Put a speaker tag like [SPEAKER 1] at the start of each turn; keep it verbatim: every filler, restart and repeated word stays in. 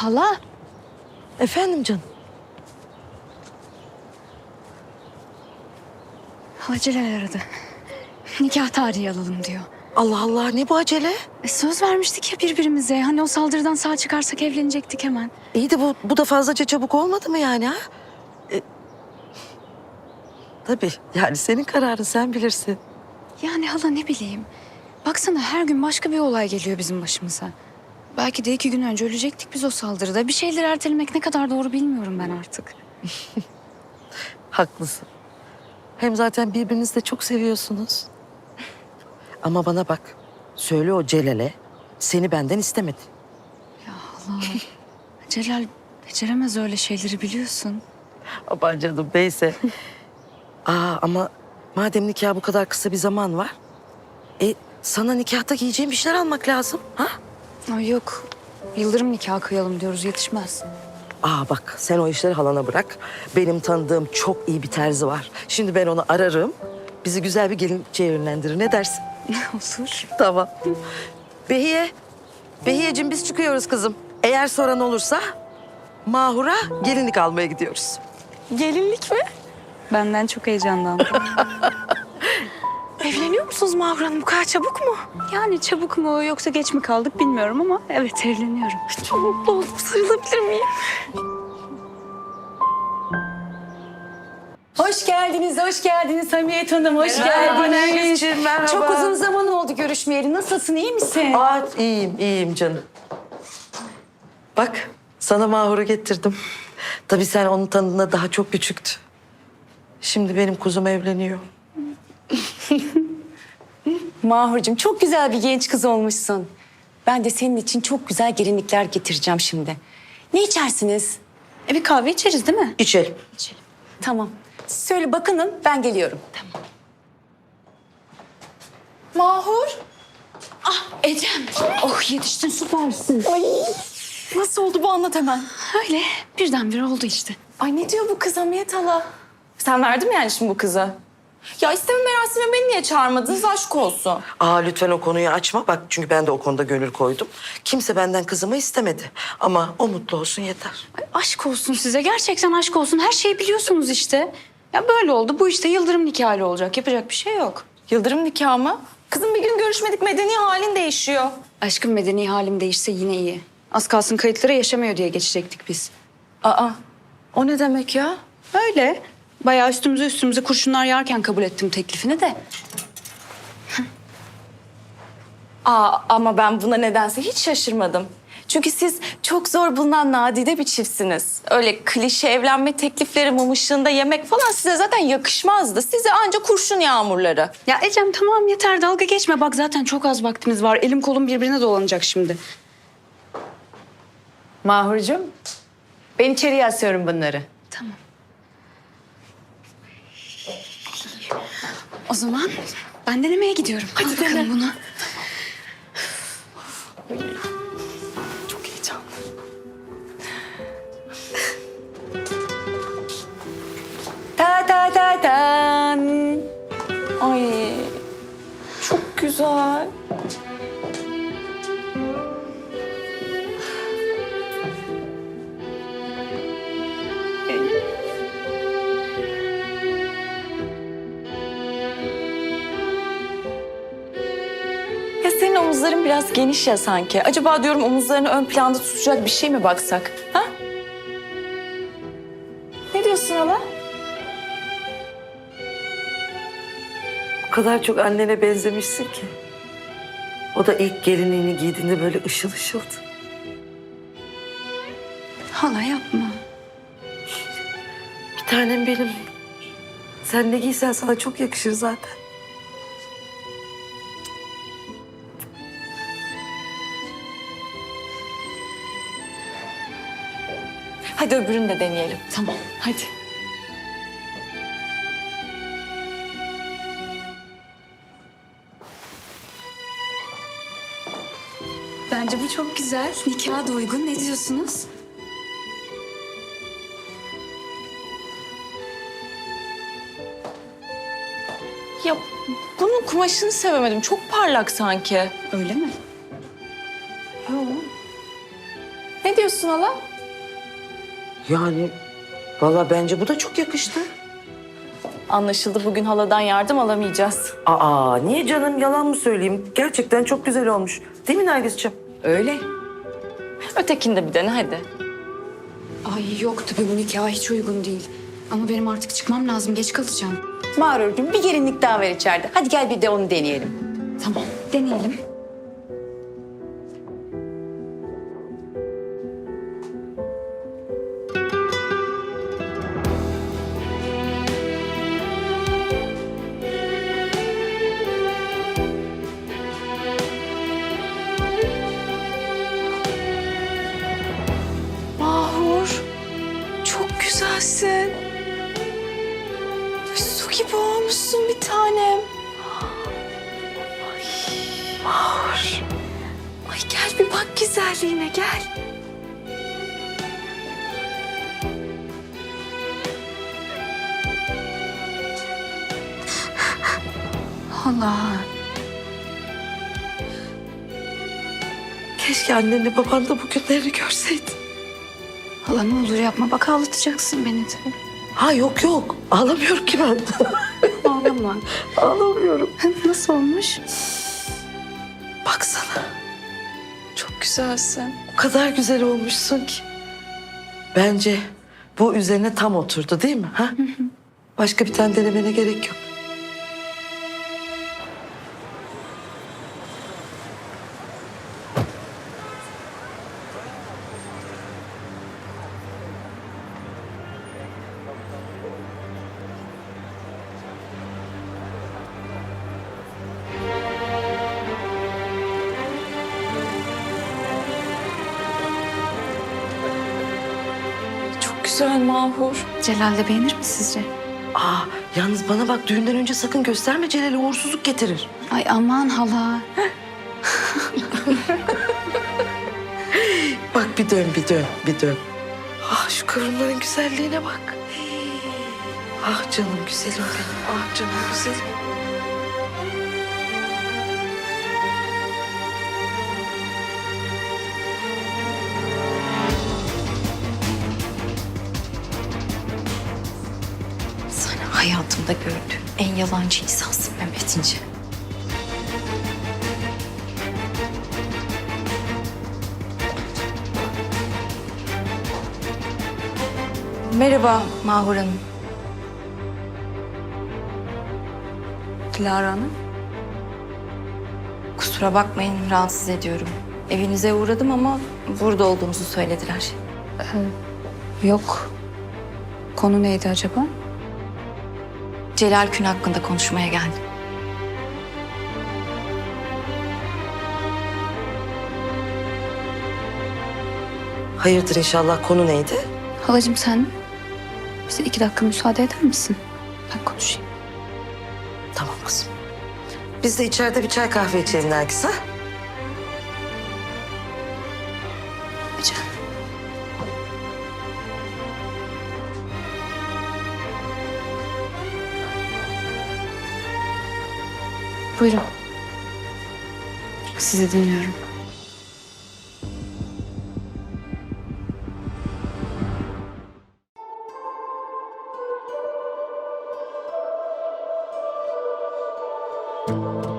[SPEAKER 1] Hala.
[SPEAKER 2] Efendim canım?
[SPEAKER 1] Hala Celal aradı. Nikah tarihi alalım diyor.
[SPEAKER 2] Allah Allah, ne bu acele?
[SPEAKER 1] E, söz vermiştik ya birbirimize. Hani o saldırıdan sağ çıkarsak evlenecektik hemen.
[SPEAKER 2] İyi de bu, bu da fazlaca çabuk olmadı mı yani ha? E, tabii yani senin kararın, sen bilirsin.
[SPEAKER 1] Yani hala ne bileyim. Baksana her gün başka bir olay geliyor bizim başımıza. Belki de iki gün önce ölecektik biz o saldırıda. Bir şeyleri ertelemek ne kadar doğru bilmiyorum ben artık.
[SPEAKER 2] Haklısın. Hem zaten birbirinizi de çok seviyorsunuz. Ama bana bak, söyle o Celal'e seni benden istemedi.
[SPEAKER 1] Hala. Celal beceremez öyle şeyleri biliyorsun.
[SPEAKER 2] Aman canım, neyse. Aa, ama madem nikah bu kadar kısa bir zaman var... E, sana nikahta giyeceğim bir şeyler almak lazım. Ha?
[SPEAKER 1] Ay yok. Yıldırım nikahı kıyalım diyoruz, yetişmez.
[SPEAKER 2] Aa bak, sen o işleri halana bırak. Benim tanıdığım çok iyi bir terzi var. Şimdi ben onu ararım. Bizi güzel bir gelinçeye yönlendirir. Ne dersin?
[SPEAKER 1] Olur.
[SPEAKER 2] Tamam. Behiye. Behiyeciğim, biz çıkıyoruz kızım. Eğer soran olursa Mahur'a gelinlik almaya gidiyoruz.
[SPEAKER 1] Gelinlik mi? Benden çok heyecanlandım.
[SPEAKER 3] Evleniyor musunuz Mahur Hanım? Bu kadar çabuk mu?
[SPEAKER 1] Yani çabuk mu yoksa geç mi kaldık bilmiyorum ama evet evleniyorum.
[SPEAKER 3] Çok mutlu oldum. Sarılabilir miyim?
[SPEAKER 4] Hoş geldiniz, hoş geldiniz Hamiyet Hanım, hoş geldiniz.
[SPEAKER 2] Nergis'ciğim, merhaba.
[SPEAKER 4] Çok uzun zaman oldu görüşmeyeli. Nasılsın, iyi misin?
[SPEAKER 2] Aa, iyiyim, iyiyim canım. Bak, sana Mahur'u getirdim. Tabii sen onun tanıdığında daha çok küçüktü. Şimdi benim kuzum evleniyor.
[SPEAKER 4] Mahurcuğum, çok güzel bir genç kız olmuşsun. Ben de senin için çok güzel gelinlikler getireceğim şimdi. Ne içersiniz?
[SPEAKER 1] E bir kahve içeriz değil mi?
[SPEAKER 2] İçelim.
[SPEAKER 4] Tamam. Siz söyle bakının, ben geliyorum. Tamam.
[SPEAKER 3] Mahur.
[SPEAKER 1] Ah Ecem. Oh yetiştin süpersin.
[SPEAKER 3] Ay. Nasıl oldu bu, anlat hemen.
[SPEAKER 1] Öyle birdenbire oldu işte.
[SPEAKER 3] Ay ne diyor bu kız Hamiyet hala? Sen verdin mi yani şimdi bu kıza? Ya isteme merasime beni niye çağırmadınız, aşk olsun.
[SPEAKER 2] Aa, lütfen o konuyu açma. Bak, çünkü ben de o konuda gönül koydum. Kimse benden kızımı istemedi. Ama o mutlu olsun yeter.
[SPEAKER 1] Ay, aşk olsun size, gerçekten aşk olsun. Her şeyi biliyorsunuz işte. Ya böyle oldu, bu işte yıldırım nikahı olacak. Yapacak bir şey yok.
[SPEAKER 3] Yıldırım nikahı mı? Kızım bir gün görüşmedik, medeni halin değişiyor.
[SPEAKER 1] Aşkım medeni halim değişse yine iyi. Az kalsın kayıtlara yaşamıyor diye geçecektik biz.
[SPEAKER 3] Aa, o ne demek ya?
[SPEAKER 1] Öyle. Bayağı üstümüze üstümüze kurşunlar yağarken kabul ettim teklifini de.
[SPEAKER 3] Aa, ama ben buna nedense hiç şaşırmadım. Çünkü siz çok zor bulunan nadide bir çiftsiniz. Öyle klişe evlenme teklifleri, mum ışığında yemek falan size zaten yakışmazdı. Size ancak kurşun yağmurları.
[SPEAKER 1] Ya Ecem tamam yeter, dalga geçme. Bak zaten çok az vaktimiz var. Elim kolum birbirine dolanacak şimdi.
[SPEAKER 4] Mahurcuğum, ben içeriye asıyorum bunları.
[SPEAKER 1] Tamam. O zaman ben denemeye gidiyorum. Hadi Al bakalım bunu.
[SPEAKER 3] Çok heyecanlı.
[SPEAKER 4] Ta ta ta tan.
[SPEAKER 3] Ay, çok güzel. Ya senin omuzların biraz geniş ya sanki. Acaba diyorum omuzlarını ön planda tutacak bir şey mi baksak? Ha? Ne diyorsun hala?
[SPEAKER 2] O kadar çok annene benzemişsin ki. O da ilk gelinliğini giydiğinde böyle ışıl ışıldı.
[SPEAKER 1] Hala yapma.
[SPEAKER 2] Bir tanem benim. Sen ne giysen sana çok yakışır zaten.
[SPEAKER 3] Hadi öbürünü de deneyelim.
[SPEAKER 1] Tamam.
[SPEAKER 3] Hadi.
[SPEAKER 1] Bence bu çok güzel. Nikaha da uygun. Ne diyorsunuz?
[SPEAKER 3] Ya bunun kumaşını sevemedim. Çok parlak sanki.
[SPEAKER 1] Öyle mi?
[SPEAKER 3] Yok. Ne diyorsun hala?
[SPEAKER 2] Yani valla bence bu da çok yakıştı.
[SPEAKER 3] Anlaşıldı, bugün haladan yardım alamayacağız.
[SPEAKER 2] Aa niye canım, yalan mı söyleyeyim? Gerçekten çok güzel olmuş. Değil mi Nergis'ciğim?
[SPEAKER 4] Öyle.
[SPEAKER 3] Ötekini de bir dene hadi.
[SPEAKER 1] Ay yok tabii bu nikah hiç uygun değil. Ama benim artık çıkmam lazım. Geç kalacağım.
[SPEAKER 4] Mağrurcuğum bir gelinlik daha var içeride. Hadi gel bir de onu deneyelim.
[SPEAKER 1] Tamam deneyelim.
[SPEAKER 3] Mahur, çok güzelsin. Su gibi olmuşsun bir tanem. Ay, Mahur. Ay gel bir bak güzelliğine gel.
[SPEAKER 1] Hala.
[SPEAKER 2] Keşke annenle baban da bu günlerini görseydi.
[SPEAKER 1] Hala ne olur yapma. Bak ağlatacaksın beni de.
[SPEAKER 2] Ha yok yok, ağlamıyorum ki ben.
[SPEAKER 1] Ağlama.
[SPEAKER 2] Ağlamıyorum.
[SPEAKER 1] Nasıl olmuş?
[SPEAKER 2] Baksana,
[SPEAKER 3] Çok güzelsin.
[SPEAKER 2] o kadar güzel olmuşsun ki. Bence bu üzerine tam oturdu değil mi? Ha? Başka bir tane denemene gerek yok.
[SPEAKER 3] Çok güzel Mahur.
[SPEAKER 1] Celal de beğenir mi sizce?
[SPEAKER 2] Aa, yalnız bana bak, düğünden önce sakın gösterme, Celal'e uğursuzluk getirir.
[SPEAKER 1] Ay aman hala.
[SPEAKER 2] Bak bir dön, bir dön, bir dön. Ah şu kıvrımların güzelliğine bak. Ah canım güzelim benim, ah canım güzelim.
[SPEAKER 3] Sen hayatımda gördüğüm en yalancı insansın Mehmet İnce. Merhaba Mahur Hanım. Dilara Hanım. Kusura bakmayın, rahatsız ediyorum. Evinize uğradım ama burada olduğunuzu söylediler.
[SPEAKER 1] Yok. Konu neydi acaba?
[SPEAKER 3] Celal Kün hakkında konuşmaya geldim.
[SPEAKER 2] Hayırdır inşallah, konu neydi?
[SPEAKER 1] Halacığım sen bize iki dakika müsaade eder misin? Ben konuşayım.
[SPEAKER 2] Tamam kızım. Biz de içeride bir çay kahve içelim Nergis ha?
[SPEAKER 1] Rica. Buyurun. Sizi dinliyorum.
[SPEAKER 5] Thank you.